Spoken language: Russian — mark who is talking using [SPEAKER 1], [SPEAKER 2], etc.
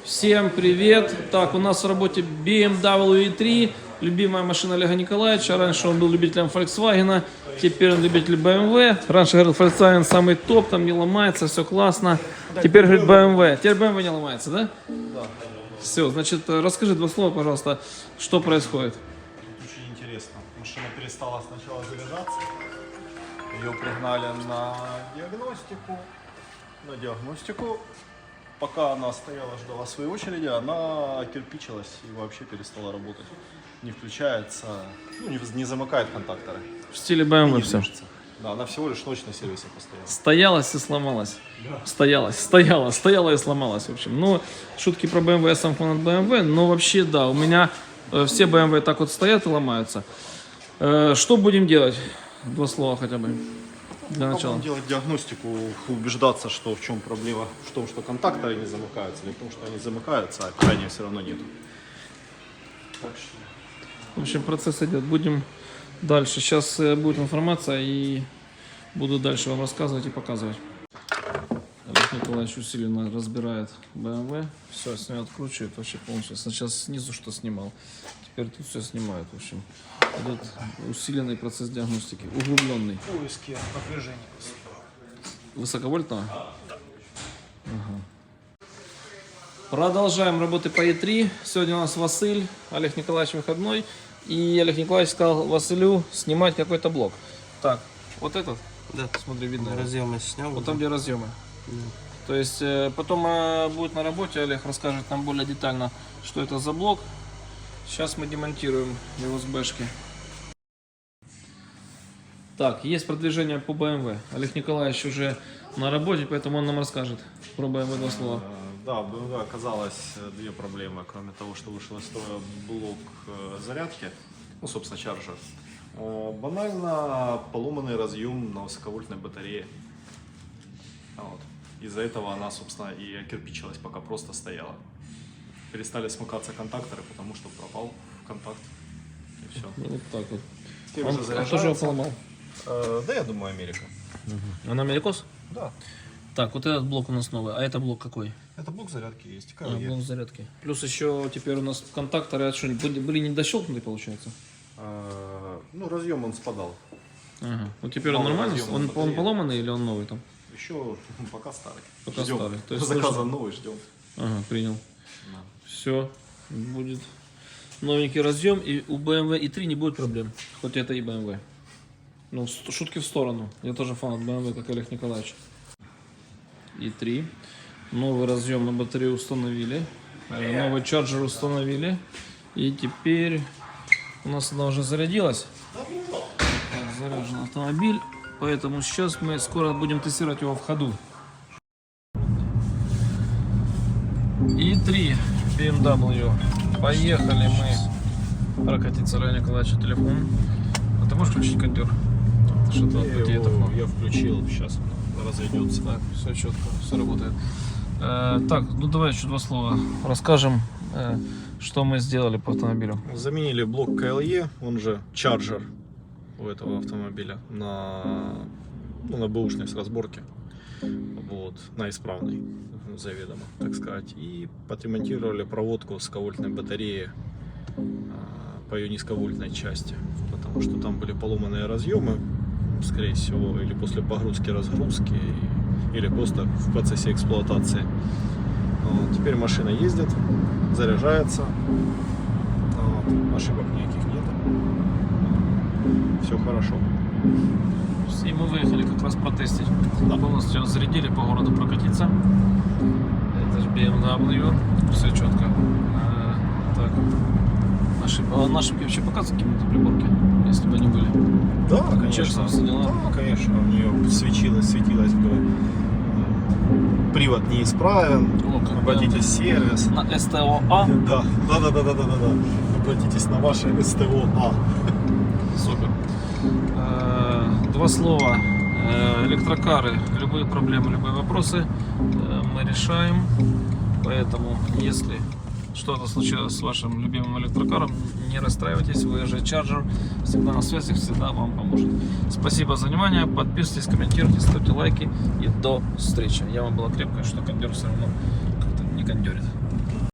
[SPEAKER 1] Всем привет! Так, у нас в работе BMW i3, любимая машина Олега Николаевича. Раньше он был любителем Volkswagen, теперь он любитель BMW. Раньше говорил, Volkswagen самый топ, там не ломается, все классно. Теперь говорит BMW. Теперь BMW не ломается, да?
[SPEAKER 2] Да.
[SPEAKER 1] Все, значит, расскажи два слова, пожалуйста, что происходит.
[SPEAKER 2] Очень интересно. Машина перестала сначала заряжаться. Ее пригнали на диагностику. Пока она стояла, ждала своей очереди, она кирпичилась и вообще перестала работать. Не включается, не замыкает контакторы.
[SPEAKER 1] В стиле BMW
[SPEAKER 2] Не
[SPEAKER 1] все.
[SPEAKER 2] движется. Да, она всего лишь ночь на сервисе постояла.
[SPEAKER 1] Стоялась и сломалась.
[SPEAKER 2] Да.
[SPEAKER 1] Стояла и сломалась, в общем. Ну, шутки про BMW, я сам фанат BMW, но вообще, да, у меня все BMW так вот стоят и ломаются. Что будем делать? Два слова хотя бы для начала.
[SPEAKER 2] Будем делать диагностику, убеждаться, что в чем проблема, в том, что контакторы не замыкаются, или в том, что они замыкаются, а питания все равно нету. Так что...
[SPEAKER 1] В общем, процесс идет. Будем дальше. Сейчас будет информация и буду дальше вам рассказывать и показывать. Олег Николаевич усиленно разбирает BMW. Все, с нее откручивает вообще полностью. Сначала снизу что снимал, теперь тут все снимает. В общем, идет усиленный процесс диагностики, углубленный.
[SPEAKER 2] Поиски напряжения.
[SPEAKER 1] Высоковольтного? Ага. Продолжаем работы по E3. Сегодня у нас Василь, Олег Николаевич выходной. И Олег Николаевич сказал Василю снимать какой-то блок. Так, вот этот?
[SPEAKER 3] Да.
[SPEAKER 1] Смотри, видно.
[SPEAKER 3] Разъемы снял.
[SPEAKER 1] Вот там, где разъемы. То есть потом будет на работе, Олег расскажет нам более детально, что это за блок. Сейчас мы демонтируем его с бэшки. Так, есть продвижение по BMW. Олег Николаевич уже на работе, поэтому он нам расскажет про BMW два слова.
[SPEAKER 2] Да, в BMW оказалось две проблемы, кроме того, что вышел из строя блок зарядки, собственно, чарджер. Банально поломанный разъем на высоковольтной батарее. Вот. Из-за этого она, собственно, и кирпичилась, пока просто стояла. Перестали смыкаться контакторы, потому что пропал контакт. И все.
[SPEAKER 1] Ну, вот так вот.
[SPEAKER 2] Он
[SPEAKER 1] тоже его поломал?
[SPEAKER 2] Да, я думаю, Америка.
[SPEAKER 1] Она америкос?
[SPEAKER 2] Да.
[SPEAKER 1] Так, вот этот блок у нас новый. А это блок какой?
[SPEAKER 2] Это блок зарядки есть.
[SPEAKER 1] Блок зарядки. Плюс еще теперь у нас контакторы были не дощелкнуты, получается?
[SPEAKER 2] Разъем он спадал.
[SPEAKER 1] Ага. Ну теперь он
[SPEAKER 2] Новый
[SPEAKER 1] нормально?
[SPEAKER 2] разъем
[SPEAKER 1] Он
[SPEAKER 2] батареи.
[SPEAKER 1] поломанный или он новый там?
[SPEAKER 2] Еще пока старый.
[SPEAKER 1] Пока
[SPEAKER 2] Ждем.
[SPEAKER 1] старый. То есть
[SPEAKER 2] Заказан
[SPEAKER 1] слышно?
[SPEAKER 2] новый, ждем.
[SPEAKER 1] Ага, принял.
[SPEAKER 2] Да.
[SPEAKER 1] Все, будет новенький разъем, и у BMW i3 не будет проблем, хоть это и BMW. Ну, шутки в сторону, я тоже фанат BMW, как Олег Николаевич. i3, новый разъем на батарею установили, новый чарджер установили, и теперь у нас она уже зарядилась. Заряжен автомобиль, поэтому сейчас мы скоро будем тестировать его в ходу. i3 BMW. Поехали мы прокатиться. Олег Николаевич, телефон. А ты можешь включить кондер? Что-то
[SPEAKER 2] Я включил, сейчас он разойдется.
[SPEAKER 1] Так, все четко, все работает. Так, ну давай еще два слова расскажем, что мы сделали по автомобилю.
[SPEAKER 2] Заменили блок KLE, он же чарджер у этого автомобиля на бэушной с разборки. Вот, на исправный, заведомо, так сказать. И подремонтировали проводку высоковольтной батареи по ее низковольтной части, потому что там были поломанные разъемы, скорее всего, или после погрузки-разгрузки, или просто в процессе эксплуатации. Вот. Теперь машина ездит, заряжается, вот. Ошибок никаких нет, все хорошо.
[SPEAKER 1] И мы выехали как раз протестить.
[SPEAKER 2] Да.
[SPEAKER 1] Полностью зарядили, по городу прокатиться. Это же BMW, все четко. Так. Ошибки вообще показывают какие-то приборки, если бы они были?
[SPEAKER 2] Да, конечно.
[SPEAKER 1] Честно, все дела?
[SPEAKER 2] Да, конечно. У нее светилось бы привод неисправен. Обратитесь в сервис.
[SPEAKER 1] На СТО-А?
[SPEAKER 2] Да. Обратитесь на ваше СТО-А.
[SPEAKER 1] Супер. Два слова. Электрокары, любые проблемы, любые вопросы мы решаем. Поэтому, если что-то случилось с вашим любимым электрокаром, не расстраивайтесь, вы же чарджер всегда на связи, всегда вам поможет. Спасибо за внимание, подписывайтесь, комментируйте, ставьте лайки и до встречи. Яма была крепкая, что кондер все равно как-то не кондерит.